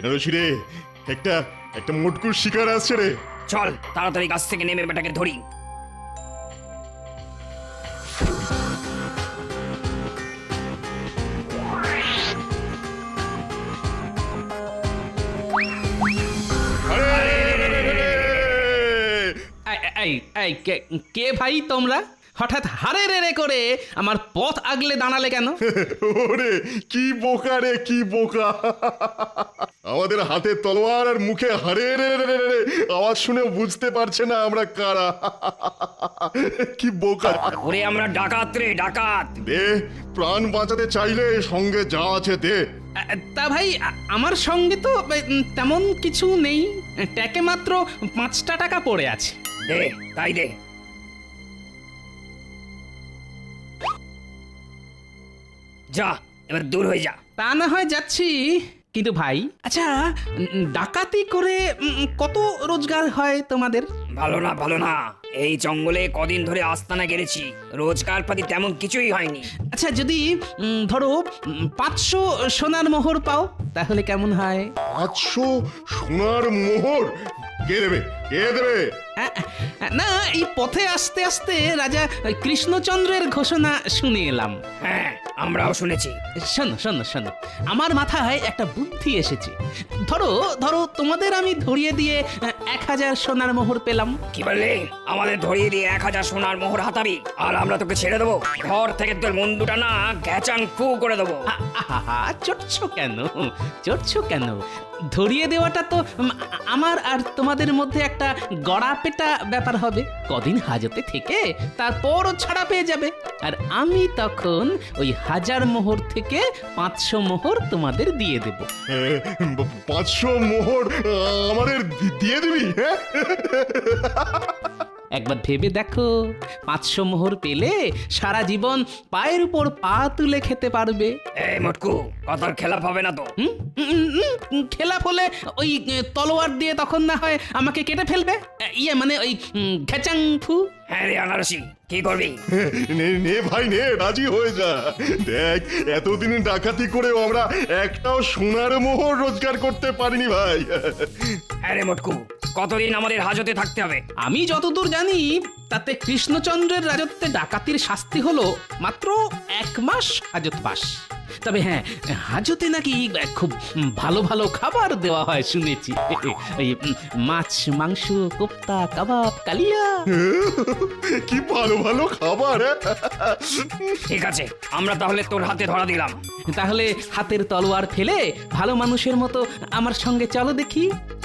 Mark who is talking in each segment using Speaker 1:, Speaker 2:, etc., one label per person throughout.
Speaker 1: বেনারসি রে, একটা একটা মোটকুর শিকার আসছে রে।
Speaker 2: চল তাড়াতাড়ি গাছ থেকে নেমে বেটাকে ধরি।
Speaker 3: এই এই কে ভাই তোমরা? হঠাৎ হারে রে রে করে আমার পথ আগলে দাঁড়ালে কেন?
Speaker 1: ওরে কি বোকা রে, কি বোকা! আমাদের হাতে তলোয়ার আর মুখে হারে রে রে রে রে আওয়াজ শুনে বুঝতে পারছে না আমরা কারা। কি বোকা!
Speaker 2: ওরে আমরা ডাকাত রে, ডাকাত।
Speaker 1: দে, প্রাণ বাঁচাতে চাইলে সঙ্গে যা আছে দে।
Speaker 3: তা ভাই আমার সঙ্গে তো তেমন কিছু নেই, ট্যাকে মাত্র 5টা টাকা পড়ে আছে।
Speaker 2: দে, তাই দে। যা, এবার দূর হয়ে যা।
Speaker 3: তা না হয় যাচ্ছি, কিন্তু ভাই আচ্ছা ডাকাতি করে কত রোজগার হয় তোমাদের?
Speaker 2: ভালো না, ভালো না। এই জঙ্গলে কদিন ধরে আস্তানা গেড়েছি, রোজগার পাতি তেমন কিছুই হয়নি।
Speaker 3: আচ্ছা যদি ধরো 500 সোনার মোহর পাও তাহলে কেমন হয়?
Speaker 1: 500 সোনার মোহর? কে দেবে, কে দেবে?
Speaker 3: না, এই পথে আস্তে আস্তে রাজা কৃষ্ণচন্দ্রের ঘোষণা শুনে এলাম।
Speaker 2: হ্যাঁ, আমরাও শুনেছি।
Speaker 3: শোনো শোনো শোনো, আমার মাথায় একটা বুদ্ধি এসেছে। ধরো ধরো তোমাদের আমি ধরিয়ে দিয়ে 1000 সোনার মোহর পেলাম।
Speaker 2: কি বললি? আমাদের ধরিয়ে দিয়ে 1000 সোনার মোহর হাতাবি, আর আমরা তোকে ছেড়ে দেবো? ঘর থেকে তোর মুন্ডুটা না গ্যাচাং ফু করে দেবো।
Speaker 3: আহা, চটছো কেন, চটছো কেন? ধরিয়ে দেওয়াটা তো আমার আর তোমাদের মধ্যে একটা গড়া পেটা ব্যাপার হবে। কদিন হাজতে থেকে তারপরও ছাড়া পেয়ে যাবে, আর আমি তখন ওই 1000 মোহর থেকে 500 মোহর তোমাদের দিয়ে দেব।
Speaker 1: 500 মোহর আমাদের দিয়ে দিবি? হ্যাঁ,
Speaker 3: একবার ভেবে দেখো, 500 মোহর পেলে সারা জীবন পায়ের উপর পা তুলে খেতে পারবে।
Speaker 2: এই মোটকু, কথার খেলাপ হবে না তো?
Speaker 3: খেলাপ হলে ওই তলোয়ার দিয়ে তখন না হয় আমাকে কেটে ফেলবে, ইয়ে মানে ওই ঘেচাং ফু।
Speaker 2: হ্যাঁ রে আনারসি, কি করবি?
Speaker 1: নে নে ভাই নে, রাজি হয়ে যা। দেখ, এতদিন ডাকাতি করেও আমরা একটাও সোনার মোহর রোজগার করতে পারিনি ভাই।
Speaker 2: হ্যাঁ রে মোটকু, কতদিন আমাদের হাজতে থাকতে হবে?
Speaker 3: আমি যতদূর জানি তাতে কৃষ্ণচন্দ্রের রাজত্বে ডাকাতির শাস্তি হলো মাত্র 1 মাস হাজতবাস। তবে হ্যাঁ, হাজতে নাকি খুব ভালো ভালো খাবার দেওয়া হয় শুনেছি। ওই মাছ, মাংস, কোপ্তা, কাবাব, কালিয়া।
Speaker 1: কি ভালো ভালো খাবার!
Speaker 2: ঠিক আছে, আমরা তাহলে তোর হাতে ধরা দিলাম।
Speaker 3: তাহলে হাতের তলোয়ার ফেলে ভালো মানুষের মতো আমার সঙ্গে চলো দেখি।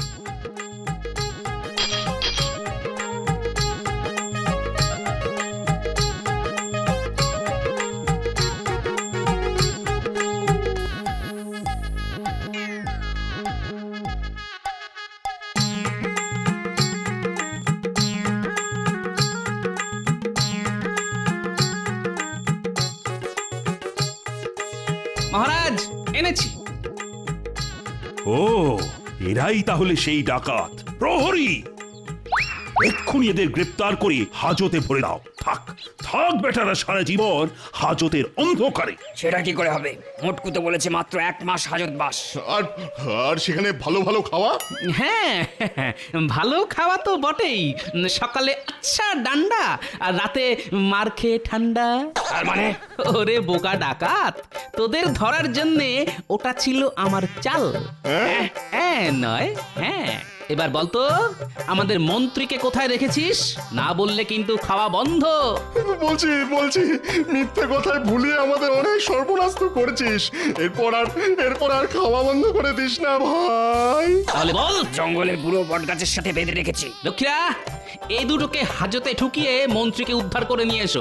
Speaker 3: মহারাজ, এনেছি।
Speaker 4: ও, এরাই তাহলে সেই ডাকাত প্রহরী। এক্ষুনি এদের গ্রেপ্তার করে হাজতে ভরে দাও। থাক থাক বেটারা সারা জীবন হাজতের অন্ধকারে।
Speaker 2: সেটা কি করে হবে? মোটকু তো বলেছে মাত্র 1 মাস হাজত বাস।
Speaker 1: আর আর সেখানে ভালো ভালো খাওয়া?
Speaker 3: হ্যাঁ, ভালো খাওয়া তো বটেই। সকালে আচ্ছা ডান্ডা, আর রাতে মার খেয়ে ঠান্ডা।
Speaker 2: তার মানে?
Speaker 3: ওরে বোকা ডাকাত, তোদের ধরার জন্যে ওটা ছিল আমার চাল। হ্যাঁ নয় হ্যাঁ। এবার বলতো, আমাদের মন্ত্রীকে কোথায় রেখেছিস? না বললে কিন্তু খাওয়া বন্ধ।
Speaker 1: বলছি বলছি, মিথ্যে কথায় ভুলিয়ে আমাদের অনেক সর্বনাশ তো করেছিস। এরপর আর খাওয়া বন্ধ করে দিস না ভাই।
Speaker 3: তাহলে বল।
Speaker 2: জঙ্গলের বুড়ো বটগাছের সাথে বেঁধে রেখেছি।
Speaker 3: লক্ষ্মীরা, এই দুটোকে হাজতে ঠুকিয়ে মন্ত্রীকে উদ্ধার করে নিয়ে এসো।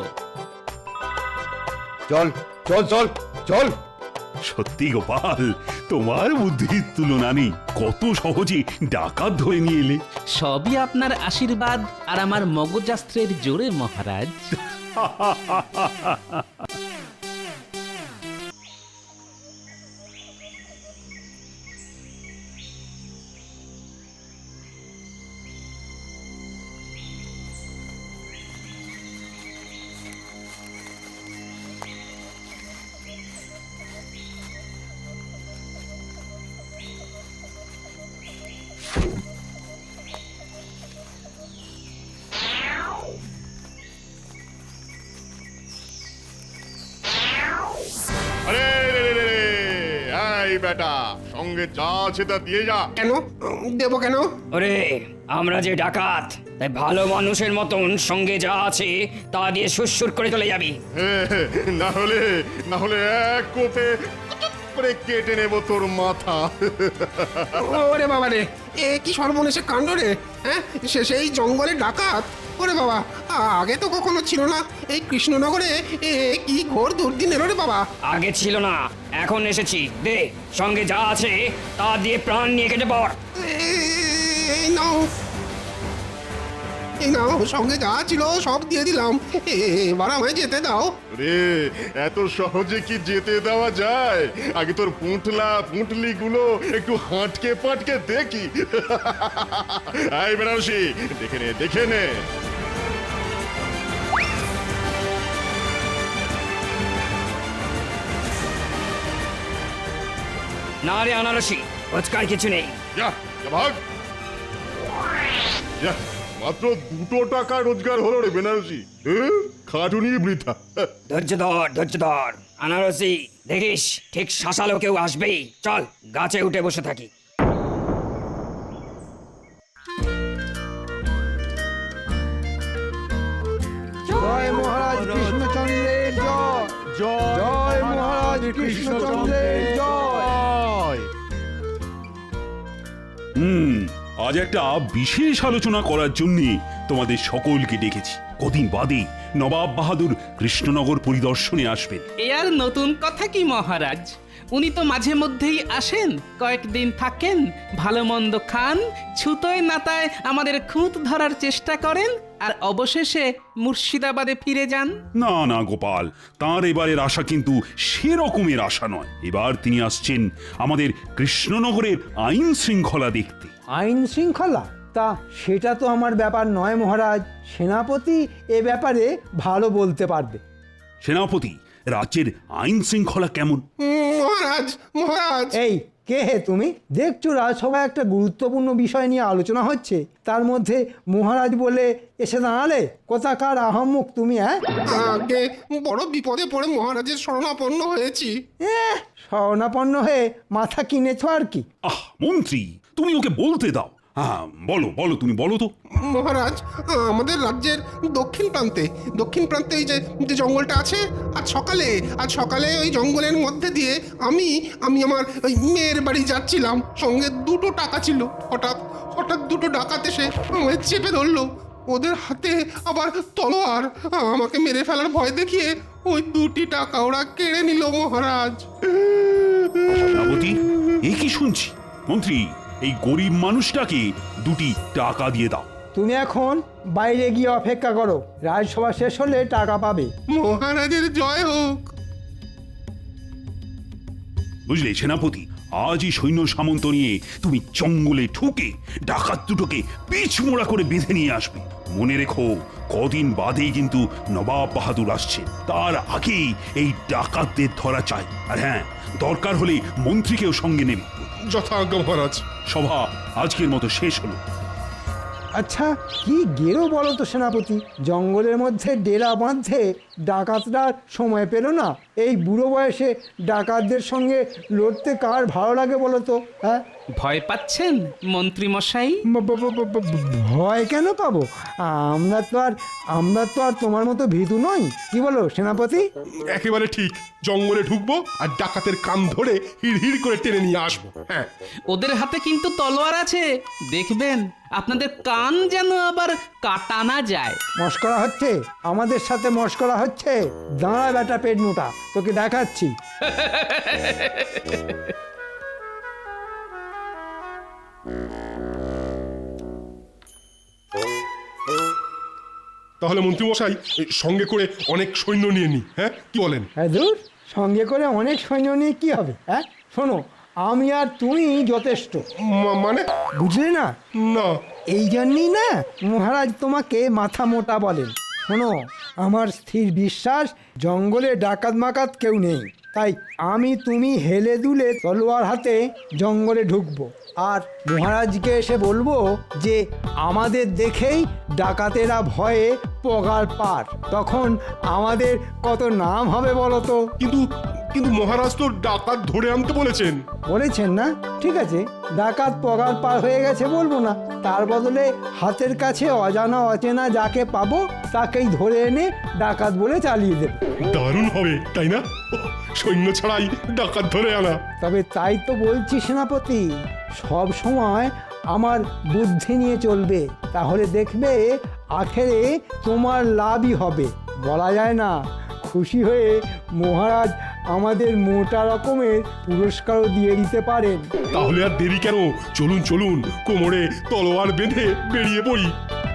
Speaker 5: চল চল চল চল।
Speaker 4: সত্যি গোপাল, তোমার বুদ্ধির তুলনা নেই। কত সহজে ডাকাত ধরে নিয়ে এলে।
Speaker 3: সবই আপনার আশীর্বাদ আর আমার মগজাস্ত্রের জোরে মহারাজ।
Speaker 1: বেটা, সঙ্গে যা আছে তা দিয়ে যা।
Speaker 5: কেন দেবো কেন?
Speaker 2: ওরে আমরা যে ডাকাত, তাই ভালো মানুষের মতন সঙ্গে যা আছে তা দিয়ে সুরসুর করে চলে যাবি।
Speaker 1: না হলে এক কোপে করে কেটে নেব তোর মাথা।
Speaker 5: ওরে বাবা রে, এ কি সর্বনেশে কাণ্ড রে! হ্যাঁ, সেই জঙ্গলে ডাকাত! ওরে বাবা, আগে তো কখনো ছিল না এই কৃষ্ণনগরে। এ কি ঘোর দুর্দিন এলো রে বাবা!
Speaker 2: আগে ছিল না, এখন এসেছি। দে সঙ্গে যা আছে তা দিয়ে প্রাণ নিয়ে কেটে পড়।
Speaker 5: এই নাও, এই নাও, সঙ্গে যা ছিল সব দিয়ে দিলাম। এবার আমায় যেতে দাও।
Speaker 1: রে, এত সহজে কি যেতে দেওয়া যায়? আগে তোর পুঁটলি গুলো একটু হাঁটকে পাটকে দেখি। এই বেনারসি, দেখে নে।
Speaker 2: না রে আনারসি, রোজকার কিছু নেই।
Speaker 1: যা, ভাগ। যা, মাত্র 2 টাকা রোজগার হলো রে বেনারসি। খাটুনি বৃথা।
Speaker 2: ধৈর্য ধর আনারসি, দেখিস ঠিক শাসালো কেউ আসবেই। চল গাছে উঠে বসে থাকি।
Speaker 6: জয় মহারাজ কৃষ্ণচন্দ্রের জয়, জয় মহারাজ কৃষ্ণচন্দ্রের জয়।
Speaker 4: আজ একটা বিশেষ আলোচনা করার জন্য তোমাদের সকলকে ডেকেছি। কদিন বাদে নবাব বাহাদুর কৃষ্ণনগর পরিদর্শনে আসবেন।
Speaker 3: এ আর নতুন কথা কি মহারাজ, উনি তো মাঝে মধ্যেই আসেন, কয়েকদিন থাকেন, ভালো মন্দ খান, ছুতোয় নাতায় আমাদের খুঁত ধরার চেষ্টা করেন, আর অবশেষে মুর্শিদাবাদে ফিরে যান।
Speaker 4: না না গোপাল, তাঁর এবারের আশা কিন্তু সেরকমের আশা নয়। এবার তিনি আসছেন আমাদের কৃষ্ণনগরের আইন শৃঙ্খলা দেখতে।
Speaker 6: আইন শৃঙ্খলা? তা সেটা তো আমার ব্যাপার নয় মহারাজ। সেনাপতি এ ব্যাপারে ভালো বলতে পারবে।
Speaker 4: সেনাপতি, রাজ্যের আইন শৃঙ্খলা কেমন?
Speaker 5: মহারাজ, মহারাজ!
Speaker 6: এই কে হে তুমি? দেখছো রাজসভায় একটা গুরুত্বপূর্ণ বিষয় নিয়ে আলোচনা হচ্ছে, তার মধ্যে মহারাজ বলে এসে দাঁড়ালে। কোথাকার আহম্মুক তুমি?
Speaker 5: আগে বড় বিপদে পড়ে মহারাজের শরণাপন্ন হয়েছি।
Speaker 6: শরণাপন্ন হয়ে মাথা কিনেছ আর কি।
Speaker 4: মন্ত্রী, তুমি ওকে বলতে দাও। হ্যাঁ, বলো তুমি বলো তো।
Speaker 5: মহারাজ, আমাদের রাজ্যের দক্ষিণ প্রান্তে এই যে জঙ্গলটা আছে, আজ সকালে ওই জঙ্গলের মধ্যে দিয়ে আমি আমার ওই মেয়ের বাড়ি যাচ্ছিলাম। সঙ্গে 2 টাকা ছিল। হঠাৎ 2 ডাকাত এসে আমায় চেপে ধরলো। ওদের হাতে আবার তলোয়ার। আমাকে মেরে ফেলার ভয় দেখিয়ে ওই 2 টাকা ওরা কেড়ে নিল মহারাজ।
Speaker 4: সেনাপতি, এ কি শুনছি? মন্ত্রী, এই গরিব মানুষটাকে 2 টাকা দিয়ে দাও।
Speaker 6: তুমি এখন বাইরে গিয়ে অপেক্ষা করো, রাজসভা শেষ হলে টাকা পাবে।
Speaker 5: মহারাজের জয় হোক।
Speaker 4: বুঝলে সেনাপতি, আজই সৈন্য সামন্ত নিয়ে তুমি জঙ্গলে ঢুকে ডাকাত দুটোকে পিছমোড়া করে বেঁধে নিয়ে আসবে। মনে রেখো, কদিন বাদেই কিন্তু নবাব বাহাদুর আসছে। তার আগেই এই ডাকাতদের ধরা চাই। আর হ্যাঁ, দরকার হলে মন্ত্রীকেও সঙ্গে নেবে।
Speaker 1: যথাজ্ঞা মহারাজ।
Speaker 4: সভা আজকের মতো শেষ হলো।
Speaker 6: আচ্ছা, কি গেরো বলো তো সেনাপতি? জঙ্গলের মধ্যে ডেরা বাঁধতে ডাকাতরা সময় পেল না। এই বুড়ো বয়সে ডাকাতদের সঙ্গে লড়তে কার ভালো লাগে বলো তো? হ্যাঁ,
Speaker 3: ভয় পাচ্ছেন মন্ত্রী মশাই?
Speaker 6: ভয় কেন পাবো? আমরা তো আর তোমার মতো ভীতু নই। কি বলো সেনাপতি?
Speaker 7: একেবারে ঠিক। জঙ্গলে ঢুকবো আর ডাকাতের কান ধরে হিড় করে টেনে নিয়ে আসবো। হ্যাঁ,
Speaker 3: ওদের হাতে কিন্তু তলোয়ার আছে, দেখবেন আপনাদের কান যেন আবার কাটা না যায়।
Speaker 6: মস্করা হচ্ছে? আমাদের সাথে মস্করা হচ্ছে? দাঁড়া বেটা পেট মোটা, তোকে দেখাচ্ছি।
Speaker 7: তাহলে মন্ত্রীমশাই, সঙ্গে করে অনেক সৈন্য নিয়ে নি। হ্যাঁ, কি বলেন?
Speaker 6: হ্যাঁ দূর, সঙ্গে করে অনেক সৈন্য নিয়ে কি হবে? হ্যাঁ শোনো, আমি আর তুমি যথেষ্ট।
Speaker 7: মানে?
Speaker 6: বুঝলে না?
Speaker 7: না।
Speaker 6: এই জন্যই না মহারাজ তোমাকে মাথা মোটা বলেন। শোনো, আমার স্থির বিশ্বাস জঙ্গলে ডাকাত মাকাত কেউ নেই। তাই আমি তুমি হেলে দুলে তলোয়ার হাতে জঙ্গলে ঢুকবো, আর মহারাজকে এসে বলবো যে আমাদের দেখেই ডাকাতেরা ভয়ে পগার পার। তখন আমাদের কত নাম হবে বলো তো?
Speaker 7: কিন্তু কিন্তু মহারাজ তো ডাকাত ধরে আনতে বলেছেন।
Speaker 6: বলেছেন না? ঠিক আছে, ডাকাত পগার পার হয়ে গেছে বলবো না, তার বদলে হাতের কাছে অজানা অচেনা যাকে পাবো তাকেই ধরে এনে ডাকাত বলে চালিয়ে দেব।
Speaker 7: দারুণ হবে তাই না? সৈন্য ছাড়াই ডাকাত ধরে আনা।
Speaker 6: তবে তাই তো বলছি সেনাপতি, সব সময় আমার বুদ্ধি নিয়ে চলবে, তাহলে দেখবে আখেরে তোমার লাভই হবে। বলা যায় না, খুশি হয়ে মহারাজ আমাদের মোটা রকমের পুরস্কারও দিয়ে দিতে পারেন।
Speaker 7: তাহলে আর দেরি কেন? চলুন চলুন, কোমরে তলোয়ার বেঁধে বেরিয়ে পড়ি।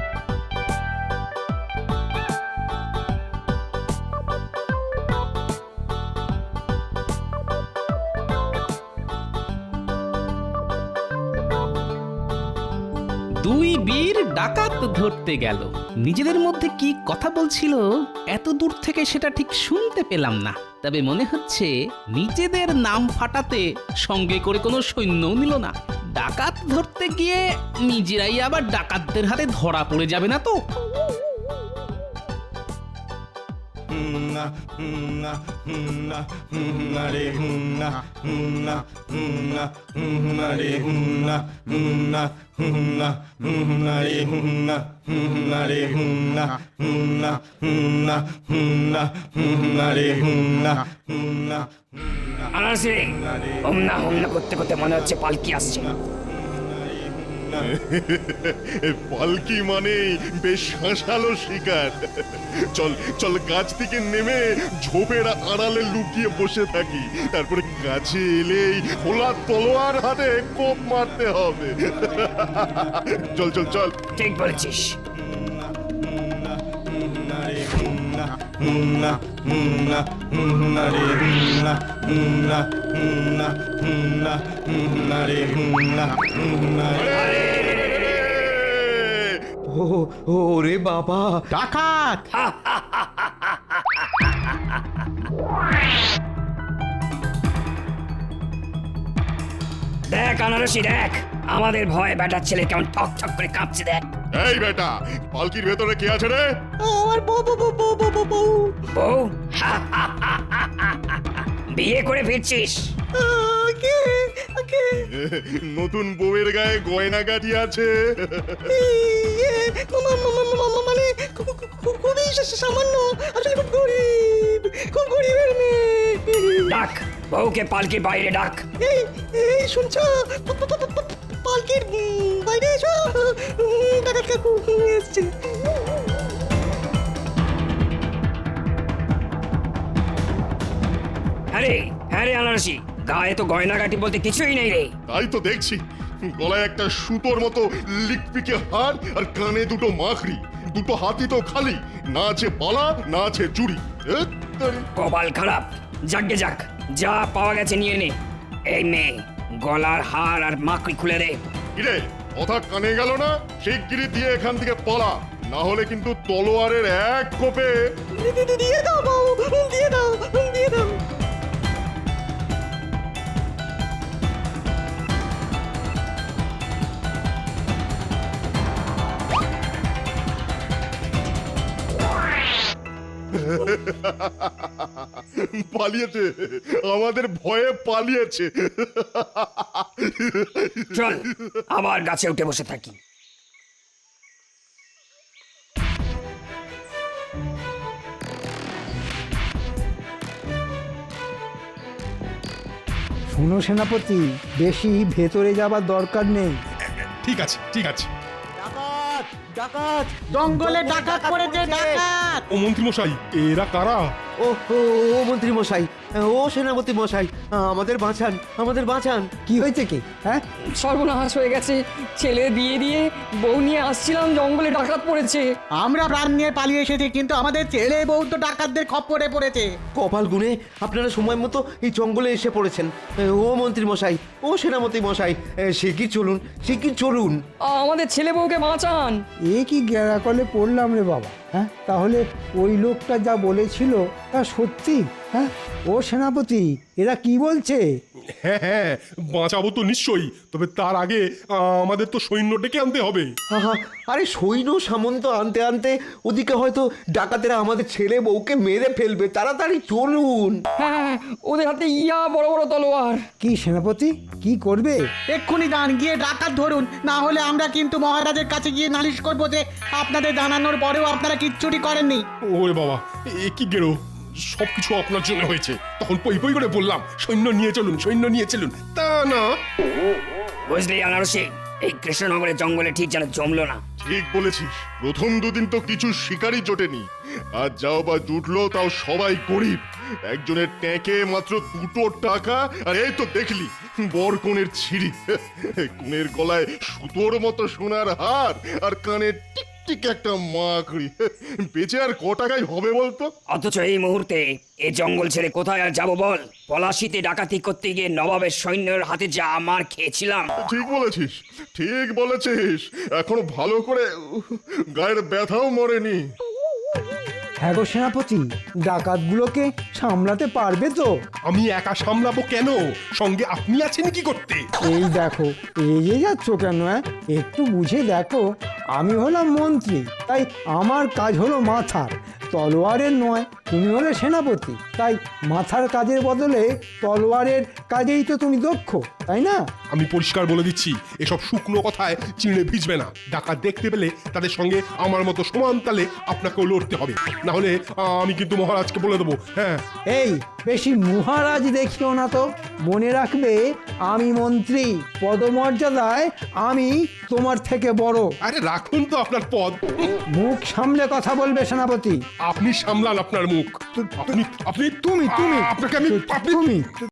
Speaker 3: দুই বীর ডাকাত ধরতে গেল। নিজেদের মধ্যে কি কথা বলছিল এত দূর থেকে সেটা ঠিক শুনতে পেলাম না, তবে মনে হচ্ছে নিজেদের নাম ফাটাতে সঙ্গে করে কোনো সৈন্যও নিল না। ডাকাত ধরতে গিয়ে নিজেরাই আবার ডাকাতদের হাতে ধরা পড়ে যাবে না তো?
Speaker 2: আনারসি হুমনা হুমনা করতে করতে মনে হচ্ছে পালকি আসছে।
Speaker 1: পালকি মানে বেশ হাসালো শিকার। চল চল, গাছ থেকে নেমে ঝোপের আড়ালে লুকিয়ে বসে থাকি, তারপরে কাছে এলেই খোলা তলোয়ার হাতে কোপ মারতে হবে। চল চল চল।
Speaker 2: ঠিক বলেছিস।
Speaker 8: ওরে বাবা, ডাকাত!
Speaker 2: দেখ আনারসি দেখ, আমাদের ভয়ে বেটার ছেলে কেমন ঠক ঠক করে কাঁপছে দেখ।
Speaker 1: এই বেটা, পালকির ভেতরে কে আছে রে?
Speaker 2: বউ বিয়ে করে ফিরছিস?
Speaker 1: নতুন বউয়ের গায়ে গয়না গাটি আছে।
Speaker 9: মানে খুবই সামান্য, আসলে খুব গরিব, খুব গরিবের মেয়ে।
Speaker 2: ডাক বউকে পালকি বাইরে ডাক।
Speaker 9: এই শুনছো? পালকির বাইরে এসো, ডাকাত কাকু এসছে।
Speaker 2: হ্যাঁ রে আনারসি, গায়ে তো গয়নাগাটি বলতে কিছুই নেই রে।
Speaker 1: তাই তো দেখছি, গলায় একটা সুতোর মতো লিকপিকে হার আর কানে দুটো মাখড়ি, দুটো হাতি তো খালি, না আছে বালা না আছে চুড়ি।
Speaker 2: কপাল খারাপ। যাকগে যাক, যা পাওয়া গেছে নিয়ে নে। এই মেয়ে, গলার হার আর মাকড়ি খুলে দে।
Speaker 1: কিরে, কথা কানে গেল না? শিগগিরই দিয়ে এখান থেকে পালা, না হলে কিন্তু তলোয়ারের এক কোপে।
Speaker 9: দিয়ে দাও বাবু, দিয়ে দাও, দিয়ে দাও।
Speaker 1: পালিয়েছে, আমাদের ভয়ে পালিয়েছে।
Speaker 2: চল আবার গাছে উঠে বসে থাকি।
Speaker 6: শোনো সেনাপতি, বেশি ভেতরে যাবার দরকার নেই।
Speaker 7: ঠিক আছে ঠিক আছে।
Speaker 8: ডাকাত! জঙ্গলে ডাকাত পড়েছে, ডাকাত!
Speaker 7: ও মন্ত্রী মশাই, এরা কারা?
Speaker 8: ও মন্ত্রী মশাই, ও সেনাপতি মশাই, আমাদের বাঁচান, আমাদের বাঁচান!
Speaker 6: কি হয়েছে কি? হ্যাঁ,
Speaker 10: সর্বনাশ হয়ে গেছে। ছেলে দিয়ে দিয়ে বউ নিয়ে আসছিলাম, জঙ্গলে ডাকাত পড়েছে।
Speaker 11: আমরা প্রাণ নিয়ে পালিয়ে এসেছি, কিন্তু আমাদের ছেলে বউ তো ডাকাতদের খপ্পরে পড়েছে।
Speaker 8: কপাল গুনে আপনারা সময় মতো এই জঙ্গলে এসে পড়েছেন। ও মন্ত্রী মশাই, ও সেনাপতি মশাই, শিগগির চলুন, শিগগির চলুন।
Speaker 10: আমাদের ছেলে বউকে বাঁচান।
Speaker 6: এ কি গ্যারাকলে পড়লাম রে বাবা। হ্যাঁ, তাহলে ওই লোকটা যা বলেছিল তা সত্যি? হ্যাঁ, ও সেনাপতি, এরা কি বলছে?
Speaker 7: হ্যাঁ হ্যাঁ, বাঁচাবো তো নিশ্চয়ই, তবে তার আগে আমাদের তো সৈন্য ডেকে আনতে হবে।
Speaker 8: আহা, আরে সৈন্য সামন্ত আনতে আনতে ওদিকে হয়তো ডাকাতেরা আমাদের ছেলে বউকে মেরে ফেলবে, তাড়াতাড়ি চলুন।
Speaker 10: হ্যাঁ ওদের হাতে ইয়া বড় বড় তলোয়ার।
Speaker 6: কি সেনাপতি কি করবে?
Speaker 11: এক্ষুনি যান, গিয়ে ডাকাত ধরুন, না হলে আমরা কিন্তু মহারাজের কাছে গিয়ে নালিশ করবো যে আপনাদের জানানোর পরেও আপনারা কিচ্ছুটি করেননি।
Speaker 7: ওরে বাবা, এ কি গেরো, সবকিছু আপনার জন্য হয়েছে। তখন পই পই করে বললাম সৈন্য নিয়ে চলুন, সৈন্য নিয়ে চলুন, তা না।
Speaker 2: বুঝলি আনারসি, এই কৃষ্ণনগরের জঙ্গলে ঠিক যেন জমলো না।
Speaker 1: ঠিক বলেছিস, প্রথম দুদিন তো কিছু শিকারই জোটেনি, আর যাও বা জুটলো তাও সবাই গরিব। একজনের ট্যাঁকে মাত্র 2 টাকা, আর এই তো দেখলি বর কনের ছিঁড়ি, কনের গলায় সুতোর মতো সোনার হার, আর কানে টিকটিক একটা মাকড়ি। বেঁচে আর ক টাকায় হবে বলতো?
Speaker 2: অথচ এই মুহূর্তে এই জঙ্গল ছেড়ে কোথায় আর যাবো বল? পলাশিতে ডাকাতি করতে গিয়ে নবাবের সৈন্যের হাতে যা মার খেয়েছিলাম।
Speaker 1: ঠিক বলেছিস, ঠিক বলেছিস, এখনো ভালো করে গায়ের ব্যথাও মরেনি।
Speaker 6: হ্যাঁ গো সেনাপতি, ডাকাতগুলোকে সামলাতে পারবে তো?
Speaker 7: আমি একা সামলাবো কেন? সঙ্গে আপনি আছেন কি করতে?
Speaker 6: এই দেখো, রেগে যাচ্ছ কেন? একটু বুঝে দেখো, আমি হলাম মন্ত্রী, তাই আমার কাজ হলো মাথার, তলোয়ারের নয়। তুমি হলে সেনাপতি, তাই মাথার কাজের বদলে তলোয়ারের কাজেই তো তুমি দক্ষ, তাই না?
Speaker 7: আমি পরিষ্কার বলে দিচ্ছি, এসব শুকনো কথায় চিড়ে ভিজবে না। ডাকাত দেখতে পেলে তাদের সঙ্গে আমার মতো সমান তালে আপনাকেও লড়তে হবে, না হলে আমি কিন্তু মহারাজকে বলে দেবো। হ্যাঁ,
Speaker 6: এই বেশি মহারাজ দেখিও না তো, মনে রাখবে আমি মন্ত্রী, পদমর্যাদায় আমি তোমার থেকে বড়।
Speaker 7: আরে রাখুন তো আপনার পদ,
Speaker 6: মুখ সামলে কথা বলবে সেনাপতি।
Speaker 7: আপনি সামলান আপনার মুখ। আপনি আপনি
Speaker 6: তুমি
Speaker 7: আপনাকে আমি
Speaker 6: তুমি